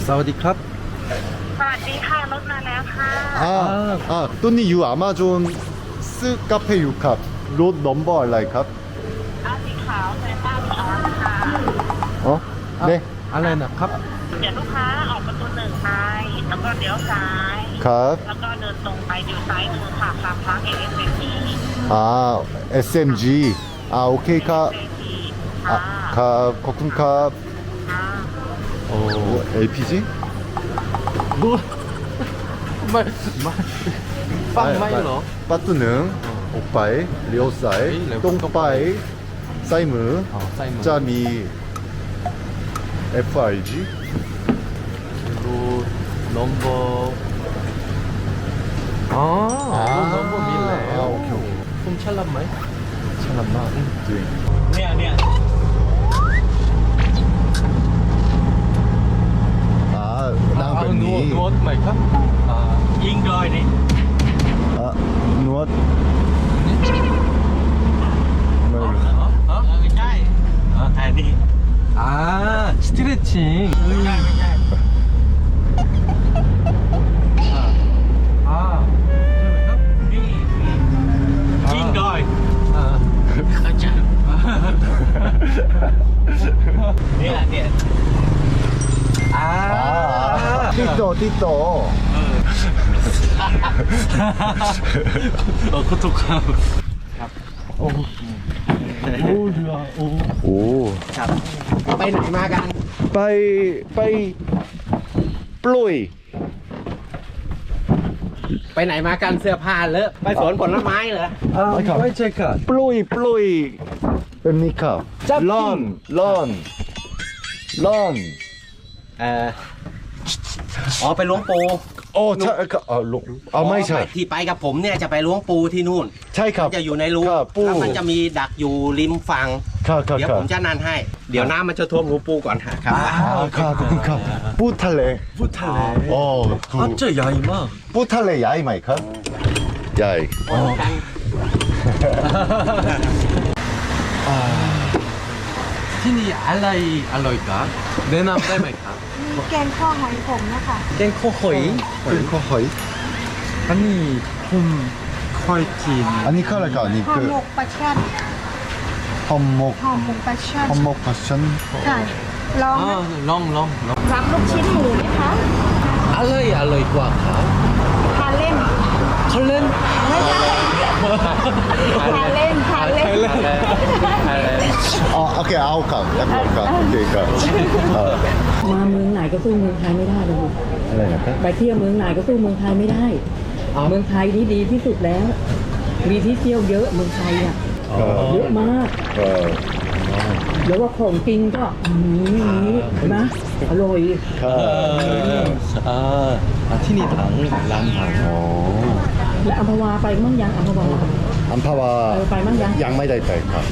사와디캅. สวัสดีค่ะรถมาแล้วค่ะ 또니 유 아마존 스 카페 유캅 롯 넘버 알라이캅 เอาสีขาวโตโยต้าวีออสค่ะ 어? 네 알라이나 캅. เดี๋ยวลูกค้าออกประตูหนึ่งไปแล้วก็เลี้ยวซ้าย 캅 แล้วก็เดินตรงไปอยู่ซ้ายมือค่ะฟาร์มพาร์คASMG 아 SMG 아 오케이 캅 ค่ะ 캅 코쿤 캅 ค่ะ LPG? 너 빵마이러. 빠뚜능 옥바이 리오사이 똥바이 사이무 사이먼. 짜미 FRG 로 넘버. 아, 넘버 밀래. 아, 오케이. 좀 찰란마이? 찰란마. เนี่ย 아 아, 나은니 누웠 마이카? 아, ยิงโดยนี่ 아 누웠 어? ไม่ใช่อันนี้ 아, 스트레칭. ไม่ใช่ 아, นี่ยิงโดย 아, อาจารย์เนี่ย 아, 띠떠 띠떠 고토카. 오, 좋아. 오. 오 ไปไหนมากัน 빠이 플로이 ไปไหนมากันเสื้อผ้าเลอะไปสวนผลไม้เหรอ 아, 와이 체크. 플로이 뺍니까 짭핑. 런 อ๋อไปล้วงปูไม่ใช่ที่ไปกับผมเนี่ยจะไปล้วงปูที่นู่นใช่ครับจะอยู่ในรูครับปูแล้วมันจะมีดักอยู่ริมฝั่งค่ะเดี๋ยวผมจะนันให้ เดี๋ยวน้ำมันจะท่วมรูปูก่อนครับค่ะขอบคุณครับปูทะเล 부탈레. โอ้ 아, 저 야이마. ปูทะเลใหญ่ไหมครับใหญ่ 티니 알라이까? 내남 딸마이까? แกงข้อหอยขมนะคะ 깽코 허이. เป็นข้อหอย 아니, 홈 퀄틴. อันนี้คืออะไรก่อนนี่ห่อคือหมกปลาช่อนฮอมมกห่อหมกปลาช่อนฮอมมกพัชชันใช่ลองนะ 아, 렁. รับลูกชิ้นหมูไหมคะ 알라이 꽉카. ทานเล่น 컬렌? ไม่ใช่ทานเล่นอ๋อโอเคเอาครับแล้วก็ครับโอเคครับมาเมืองไหนก็สู้เมืองไทยไม่ได้เลยอะไรนะครับไปเที่ยวเมืองไหนก็สู้เมืองไทยไม่ได้ เมืองไทยนี่ดีที่สุดแล้ว มีที่เที่ยวเยอะเมืองไทยอ่ะเยอะมาก แล้วว่าของกินก็นะอร่อยครับ 아, 티니 당, 람당. อ๋อแล้วอัมพวาไปมั่งยังอัมพวาอัมพาวาไปมั่งยังยังไม่ได้ไปครับ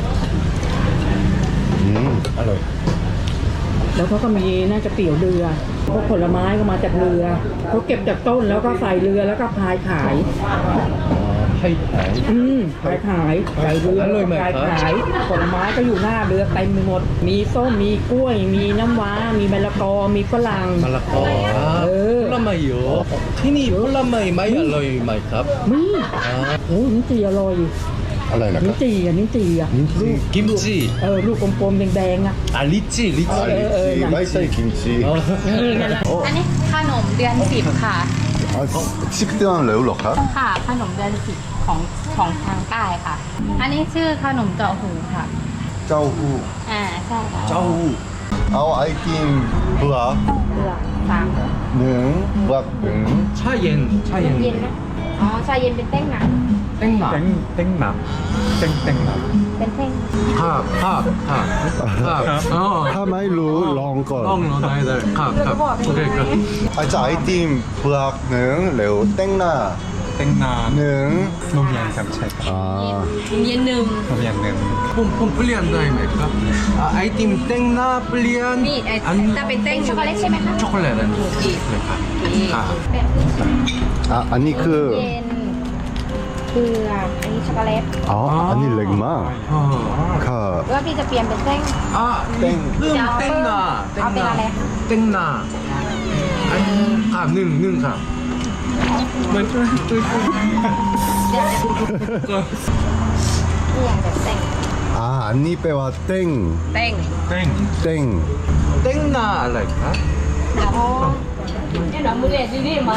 อร่อยแล้วเขาก็มีน่าจะเตี๋ยวเรือพวกผลไม้ก็มาจากเรือเขาเก็บจากต้นแล้วก็ใส่เรือแล้วก็พายขาย 하이파이. ขายใส่เรืออร่อยไหมขายครับขายผลไม้ก็อยู่หน้าเรือเต็มไปหมด มีส้มมีกล้วย มีน้ำว้ามีมะละกอมีฝรั่ง 말라꺼. 아, 네. 폴라마이요. 티니 폴라마이 마이 알로이 마이캅. มีโอ้ลิ้นจี่อร่อยอะไรนะคลิ้รันบจี่อ่ะลิ้นจี่อ่ะ 김치. ลูกกลมๆแดงๆอ่ะ 아, 리찌. ลิจีไม่ใช่กิมจิอันนี้ขนมเดือน10ค่ะชิปเตือนเร็วหรอครับค่ะ ขนมเดือน10ของทางใต้ค่ะ อันนี้ชื่อขนมเจาะหูค่ะเจ้าหู้ใช่ค่ะ 짜우. เอาไอติมเบือกเปลือกสามหนึ่งเบือกหนึ่ง 차옌. เย็นนะอ๋อชาเย็นเป็นเต้งหนัก 땡나. 땡남. 땡땡남. เป็นเต้ง 팝. 어. ถ้าไม่รู้ลองก่อน 렁, 나이들. 컵. 오케이, 그. อาจจะไอติมเบือกหนึ่งเร็วเต้งหน้า 땡나 หนึ่ง 노미안 감책 อ่าเย็นหนึ่ง 노미안은 폼 플리안 다이마이까? 아, 아이팀 땡나 플리안. นี่จะเป็นเต้งช็อกโกแลตใช่ไหมคะ 초콜릿은. 아. อ่ะอันนี้คือเย็นเปลือกอันนี้ช็อกโกแลตอ๋ออันนี้เล็กมาก 어. ค่ะแล้วพี่จะเปลี่ยนเป็นเต้ง 아, 땡. 땡나. 아, 땡나. 땡나. ค่ะหนึ่งค่ะมันช่วยนี่อย่างแบบเต็ง 아, 안니 빼와 땡. เต็ง 땡. 땡나อะไรคะนี่เรามือเล่นนี่มา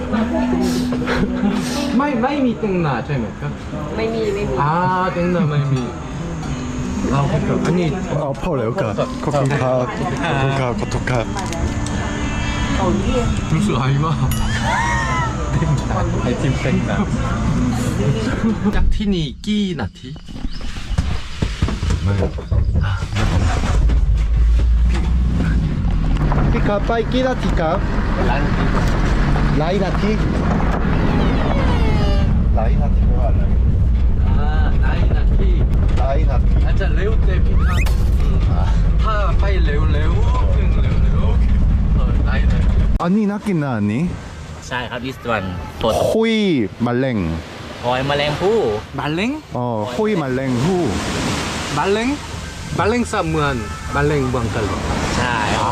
ไม่มีเต็งนาใช่ไหมครับไม่มีเต็งนาไม่มีครับอันนี้ 아, 파울레오카. 코쿤카. 코토카. รู้สึกหายมากไอติมเต็งนาจากที่นี่กี่นาที 피카 빠이 끼나티카. 라이나티. 라이나티 뭐야? นายนาที 라이나티. อาจจะเร็วแต่พี่ครับถ้าไปเร็วเร็วได้เลย 안니 낫긴나 안니? ใช่ครับ this one ตัว 호이 말랭. หอยแมลงภู่บัลเล้ง 호이 말랭 후. บัลเล้งสามเมืองบัลเล้งเมืองกะหรี่ใช่ 오.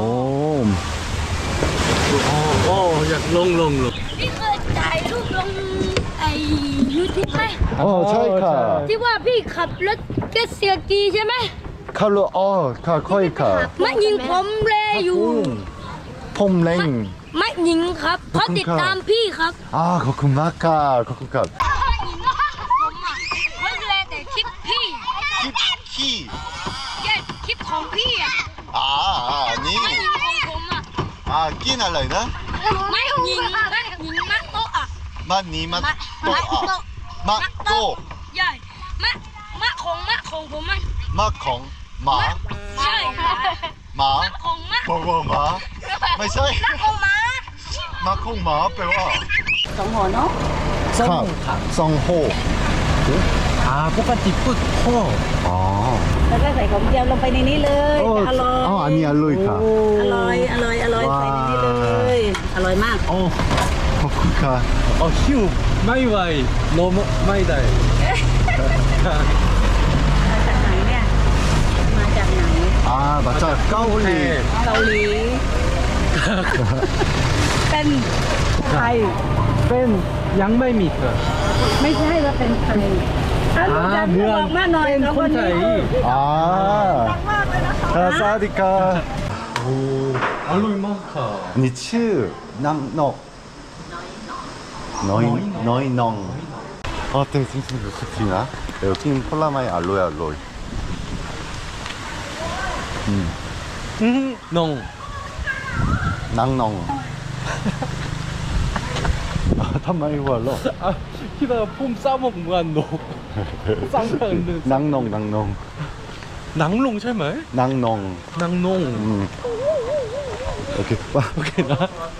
โอ้อยากลงพี่เคยถ่ายรูปลงไอ้ยูทูบไหม 차이카. ที่ว่าพี่ขับรถเจ็ตสกีใช่ไหม 칼로 카 코이카. มายิงผมเลยอยู่ 폼랭. มายิงครับเพราะติดตามพี่ครับ 아, 거쿤마카. 거쿤카. ผมอ่ะเขาเลยแต่คลิปพี่ 키. แย่คลิปของพี่อ่ะ 아, 아니. มายิงของผมอ่ะ 아, 끼날라이나? ไม่ยิงมักโต๊ะอ่ะ 맞니, 맞, มัก 또, โต๊ะ 아. 맞, 또. ใหญ่มะของผมมัน 마콩. 마. ใช่ 마. ของมะ 뭐고, 마. 마이사이. ของม้า 마콩, 마. 빼와. สองหัวเนาะ 카. 성호. ปกติพูดพ่อ 아. แล้วก็ใส่ของเจียวลงไปในนี้เลยอร่อย 아니, 알로이카. อร่อยใส่ในนี้เลยอร่อยมาก 거쿤카. หิวไม่ไหวโนมไม่ได้มาจากไหนเนี่ย มาจากไหน 아, 맞아. 까올리. เกาหลี เป็นไทยเป็นยังไม่มีเธอไม่ใช่ว่าเป็นไทยเมืองมาหน่อยเป็นคนไทย 아. 사디카. อร่อยมากค่ะ 니츠. 남넉. 너희 넝. 되게 싱싱 좋겠지나? 여긴 폴라마이 알로에 알로이. นง 낭농.ทำไม หัวเราะคิดว่าพุ่มซ้ำเหมือนนกซ้ำกันหนึ่ง 낭농. หนังลงใช่ไหม 낭농. หนังนง 오케이. โอเคนะ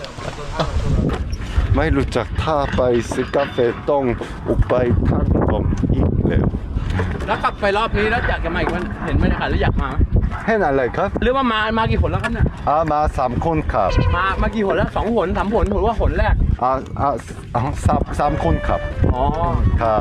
ไม่รู้จักท่าไปซื้อกาแฟต้องอุกไปทั้งผมอีกแล้วแล้วกลับไปรอบนี้แล้วอยากจะมาอีกวันเห็นบรรยากาศแล้วอยากมาไหมเห็นอะไรครับหรือว่ามากี่หนแล้วครับเนี่ยมา3 คนครับมากี่หนแล้ว2 หน 3 หนหรือว่าหนแรกสามคนครับอ๋อครับ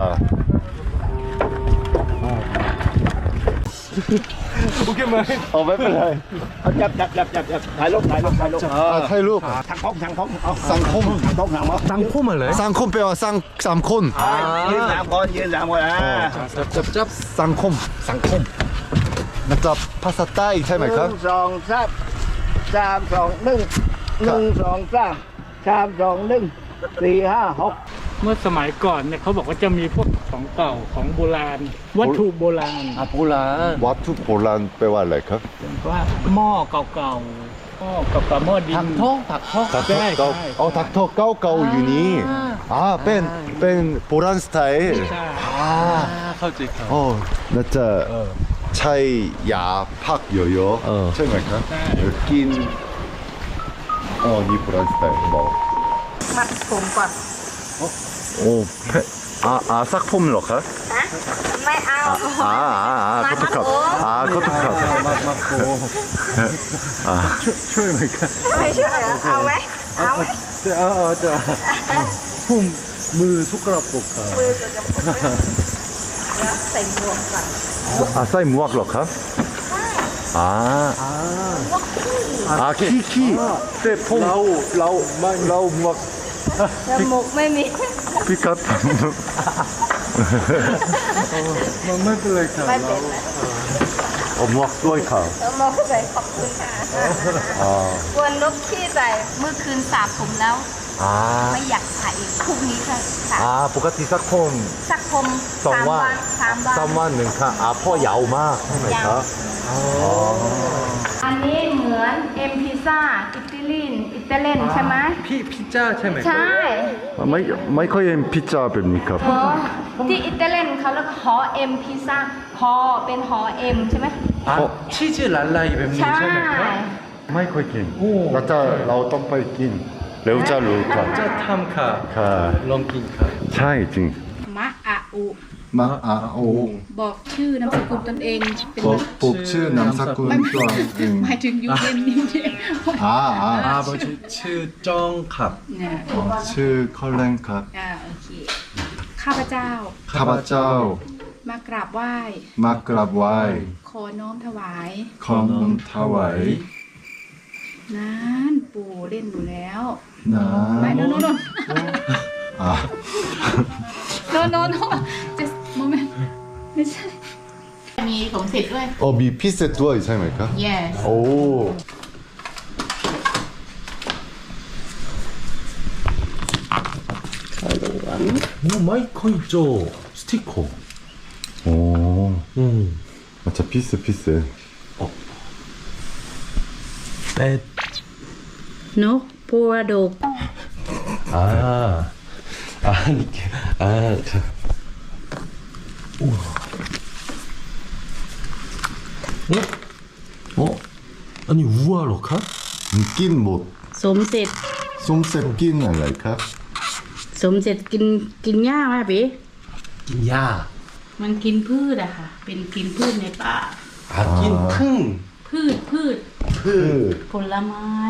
โอเคไหมไม่เป็นไรจับถ่ายรูปถ่ายรูปสังคมสังคมอะไรสังคมแปลว่าสามคนยืน3 คนจับสังคมมันจะภาษาใต้ใช่ไหมครับ 1 2 3 3 2 1 1 2 3 3 2 1 4 5 6 เมื่อสมัยก่อนเนี่ยเขาบอกว่าจะมีพวกของเก่าของโบราณ วัตถุโบราณอาปูลาวัตถุโบราณแปลว่าอะไรครับว่าหม้อเก่าๆหม้อเก่าๆหม้อดินถักทองถักทอถักทอเก่าอยู่นี่เป็นโบราณสไตล์ใช่เข้าใจครับน่าจะใช้ยาพักเยอะๆใช่ไหมครับกินนี่โบราณสไตล์บอกมัดผมก่อนซักผมเหรอครับไม่เอาขอโทษครับมาโคช่วยไหมครับไม่ช่วยเหรอเอาไหมเอาไหมจะผมมือทุกกระปุกครับมือจะใส่หมวกก่อนใส่หมวกเหรอครับ 키키. 라우 막 จมูกไม่มี 피카. ไม่เป็นไรค่ะไม่เป็นไร 막 소이카. มองใส่ขอบคุณค่ะกวนนกขี้ใส่เมื่อคืนสระผมแล้ว ไม่อยากใส่อีกพรุ่งนี้ค่ะสระปกติสักคมสักผม3 วัน 3วันหนึ่งค่ะพ่อยาวมากใช่ไหมครับอันนี้เหมือนเอ็มพิซซ่าอิตาเลียนใช่ไหมพิซซ่าใช่ไหมใช่ไม่ค่อยเห็นพิซซ่าแบบนี้ครับหอที่อิตาเลียนเขาเรียกหอเอ็มพิซซ่าหอเป็นหอเอ็มใช่ไหมชีสละลายแบบนี้ใช่ใช่ไหมครับไม่ค่อยกินเราต้องไปกินเร็วจะรู้ครับจะทำค่ะค่ะลองกินค่ะใช่จริงมะอะอุมาโอบอกชื่อนามสกุลตนเองเป็นปุ๊บชื่อนามสกุลตัวเองหมายถึงยูเอ็นนี่เนี่ยอาบชื่อจองครับเนี่ยชื่อคอลเลนครับโอเคข้าพเจ้าข้าพเจ้ามากราบไหว้มากราบไหว้ขอน้อมถวายขอน้อมถวายนั้นปู่เล่นอยู่แล้วนะไม่โนอ่า just moment ไม่ใช่ มีสมเสร็จด้วยมีพิเศษด้วยใช่ไหมครับ yes โอ้ไม่ค่อยโจสติ๊กโกโอ้มันจะพิเศษแต่นกพัวดกอันนี้วัวเหรอครับกินหมดสมเสร็จสมเสร็จกินอะไรครับสมเสร็จกินหญ้าไหมพี่กินหญ้ามันกินพืชอะค่ะ เป็นกินพืชในป่ากินพึ่งพืช ผลไม้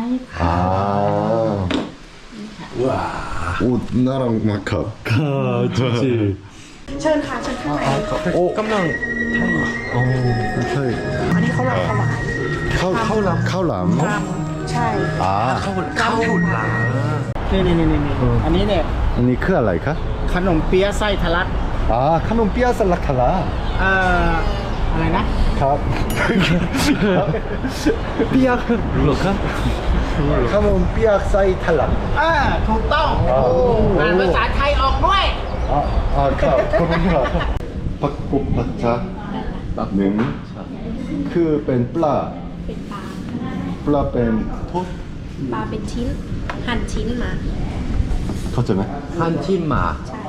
ว้าโอ้น่ารักมากครับจริงเชิญค่ะเชิญข้างในโอ้กำลังใช่อันนี้เขาลำถวายข้าวหลามใช่ข้าวหลามนี่อันนี้เนี่ยอันนี้คืออะไรครับขนมเปี๊ยะไส้ทะลักขนมเปี๊ยะสลักคาราอะไรนะครับเปียกเหรอครับขนมเปี๊ยะไส้ทะลักถูกต้องอ่านภาษาไทยออกด้วยครับขอบคุณครับปักกุบปัจจาหนึ่งคือเป็นปลาเป็นปลาปลาเป็นทุบปลาเป็นชิ้น หั่นชิ้นมาเข้าใจไหมฮันที่มา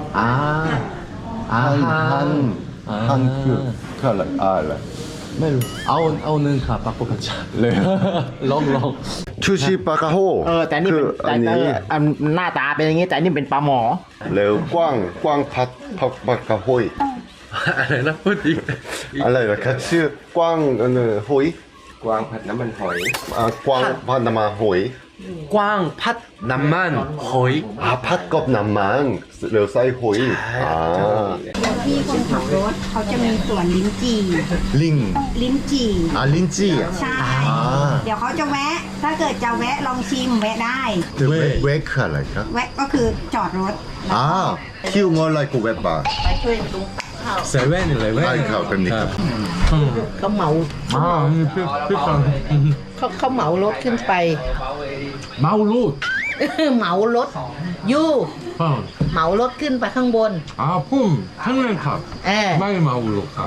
ฮันคืออะไรไม่รู้เอาหนึ่งค่ะปักปะชาเลยลองชูชิปลากระโฮแต่นี่เป็นอันนี้อันหน้าตาเป็นอย่างนี้ แต่อันนี่เป็นปลาหมอแล้วกว้างผัดผักปลากระโฮยอะไรนะพูดอีกอะไรนะครับชื่อกว้างหอยกวางผัดน้ำมันหอยกว้างผัดน้ำมันหอยกว้างพัดน้ำมันหอยผัดกับน้ำมันแล้วใส่หอยที่คนขับรถเขาจะมีส่วนลิ้นจี่ลิงลิ้นจี่ลิ้นจี่ใช่ เดี๋ยวเขาจะแวะ ถ้าเกิดจะแวะลองชิมแวะได้เวกคืออะไรครับแวะก็คือจอดรถคิวงออะไรกูเวกบาร์ไปช่วยตุ้งเซเว่นอะไรเว้ยใช่ครับเป็นนี่ครับเขาเหมาพี่ฟังเขาเหมารถขึ้นไปเมาลูดเหมารถอยู่เหมารถขึ้นไปข้างบนพุ่มทั้งนั้นครับ ไม่เมาลูกครับ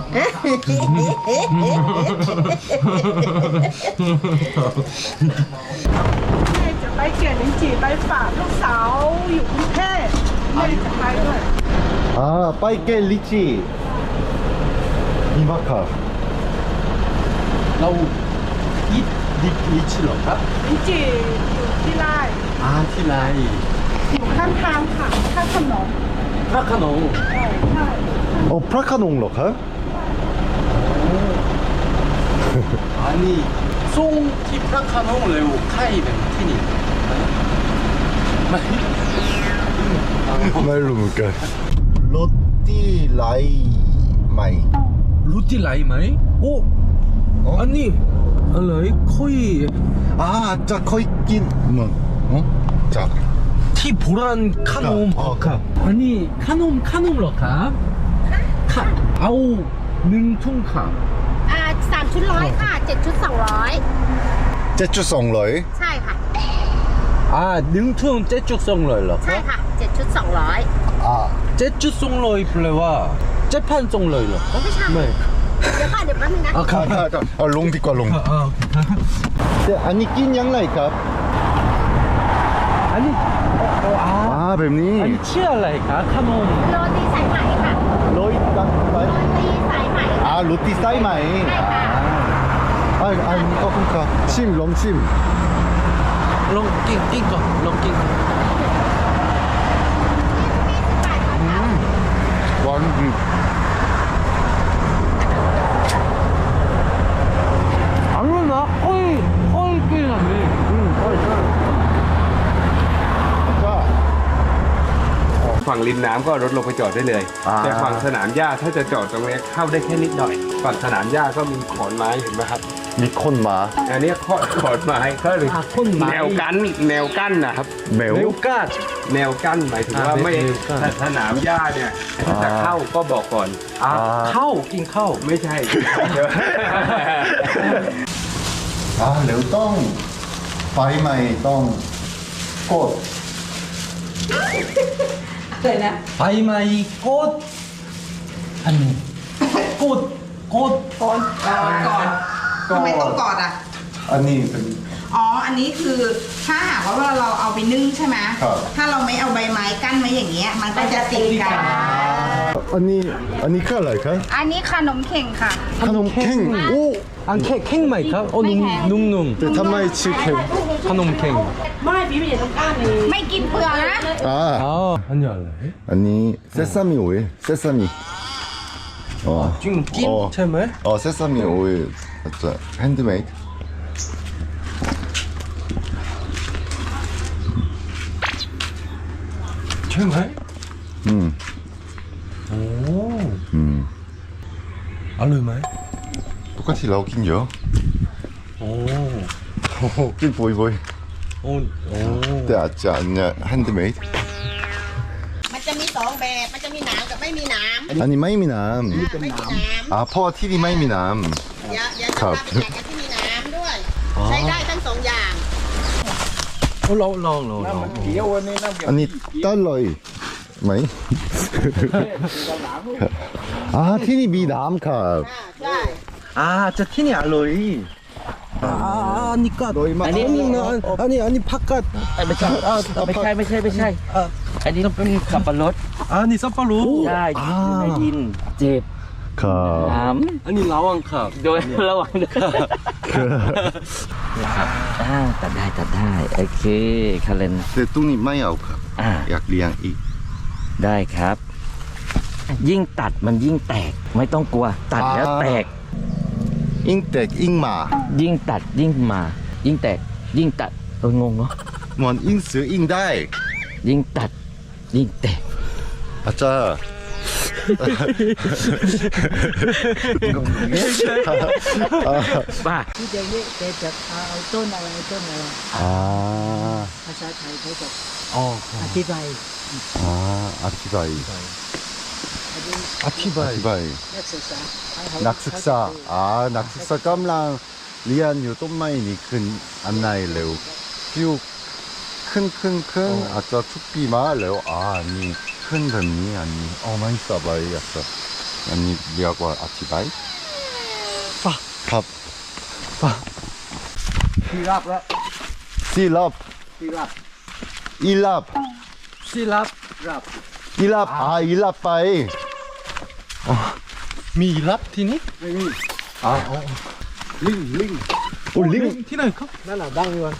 จะไปเขียนหนังสือไปฝากลูกสาวอยู่กรุงเทพแม่จะไปด้วยไปเกลิจินี่มากครับเราอีทลิชเหรอครับหนังสืออยู่ที่ไร่ที่ไรอยู่ข้างทางค่ะข้างถนนพระขนงใช่พระขนงเหรอครับอันนี้ส่งที่พระขนงเร็วใครเป็นที่นี่ไม่ไม่รู้เหมือนกันรถที่ไหลไหมรู้ที่ไรไหมโอ้อันนี้อะไรค่อยจะค่อยกินมึงจะที่โบราณขนมครับอันนี้ขนมเหรอครับค่ะเอา1 ถุงค่ะ 3 ชุด100ค่ะ 7 ชุด 200 7.200 ใช่ค่ะ 1 ถุง7.2เลยเหรอใช่ค่ะ 7 ชุด 7.2แปลว่า7,200เหรอ 200 ไม่ใช่ไม่เดี๋ยวค่ะเดี๋ยวแป๊บนึงนะครับลงดีกว่าลงอันนี้กินยังไงครับอันนี้แบบนี้อันนี้ชื่ออะไรครับขนมโรตีสายไหมค่ะโรตีสายไหมโรตีสายไหมโรตีสายไหมใช่ค่ะอันนี้ขอบคุณครับลองชิมลองกินก่อนลองกินหวานอร่อยนะค่อยกินอันนี้ฝั่งริมน้ำก็รถลงไปจอดได้เลย แต่ฝั่งสนามหญ้าถ้าจะจอดตรงนี้เข้าได้แค่นิดหน่อย ฝั่งสนามหญ้าก็มีขอนไม้เห็นไหมครับมีคนมาอันนี้ขอนไม้ก็เลยคนไม้แนวกั้นนะครับแมวเมลกาดแนวกั้นหมายถึงว่าไม่แนวกั้นสนามหญ้าเนี่ยถ้าจะเข้าก็บอกก่อนข้าวกินข้าวไม่ใช่แล้วต้องไฟใหม่ต้องกดเลยนะไฟไหม้กดอันนี้กดก่อนทำไมต้องกอดอ่ะอันนี้เป็นอ๋อ อันนี้คือถ้าหากว่าเวลาเราเอาไปนึ่งใช่ไหมครับถ้าเราไม่เอาใบไม้กั้นไว้อย่างเงี้ย มันก็จะติดกันอันนี้คืออะไรครับอันนี้ขนมเข่งค่ะขนมเข่งโอ้อันเข่งไหมครับโอ้นุ่มแต่ทำไมชื่อเข่งขนมเข่งไม่กินเปลือกนะอันนี้อะไรอันนี้เซซามิโอเซซามิจริงกินใช่ไหมเซซามิโอจะแฮนด์เมดใช่ไหมอร่อยไหม 똑같이เรากินเยอะโอ้กินบ่อยโอ้ๆแต่อาจจะเนี่ยแฮนด์เมดมันจะมี2 แบบ มันจะมีหนามกับไม่มีหนามอันนี้ไม่มีน้ไม่มีหนามำเพราะที่นี่ไม่มีน้อย่าจะครัพาบไปแจกกันที่มีหนามด้วย ใช้ได้ทั้ง2 อย่างลองำอันนี้ตลอยไหม ที่นี่มีน้ำครับใช่จะที่นี่อร่อยอันนี้ก็อร่อยมากอันนี้ผักกาดไม่ใช่อันนี้เป็นสับปะรดอันนี้สับปะรดใช่อยู่ในดินเจ็บครับน้อันนี้ลาวังครับำโดยระวังด้วยตัดได้โอเคคาเลนแต่ตรงนี้ไม่เอาครับ อยากเลี้ยงอีกได้ครับ ยิ่งตัดมันยิ่งแตกไม่ต้องกลัว ตัดแล้วแตกยิ่งแตกยิ่งมายิ่งตัดยิ่งมา ยิ่งแตกยิ่งตัดงงเนาะเหมือนยิ่งซื้อยิ่งได้ยิ่งตัดยิ่งแตกอาจารย์บ้าที่จะเยอะแต่จะเอาต้นอะไรภาษาไทยเขาจะอธิบายอธิบายนักศึกษานักศึกษากำลังเรียนอยู่ต้นไม้นี่ขึ้นอันไหนเร็วพิวขึ้นอาจจะทุกปีมาแล้วนี่ขึ้นแบบนี้อันนี้ไม่สบายอันนี้เรียกว่าอธิบายครับซีรับแล้วซีรับอีรับซีรับรับอีรับไปมีรับที่นี่ลิงโอ้ลิงที่ไหนครับนั่นน่ะดังอยู่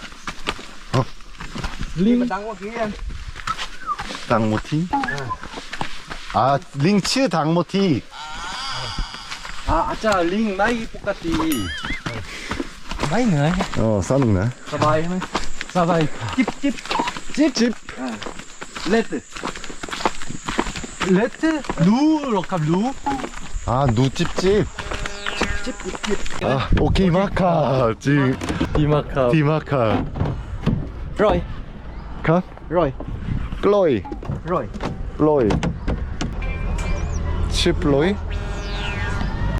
ลิงมันดังกว่ากี้เองดังหมดที่ลิงชื่อดังหมดที่อาจารย์ลิงไม่ปกติไม่เหนื่อยสนุกนะสบายไหมสบายจิบเล็ดรู้หรอครับรู้ดูจิบ 아, 오키마카 지금 디마카 Rồi, 카 rồi, 클로이 rồi. 플로이 칩플로이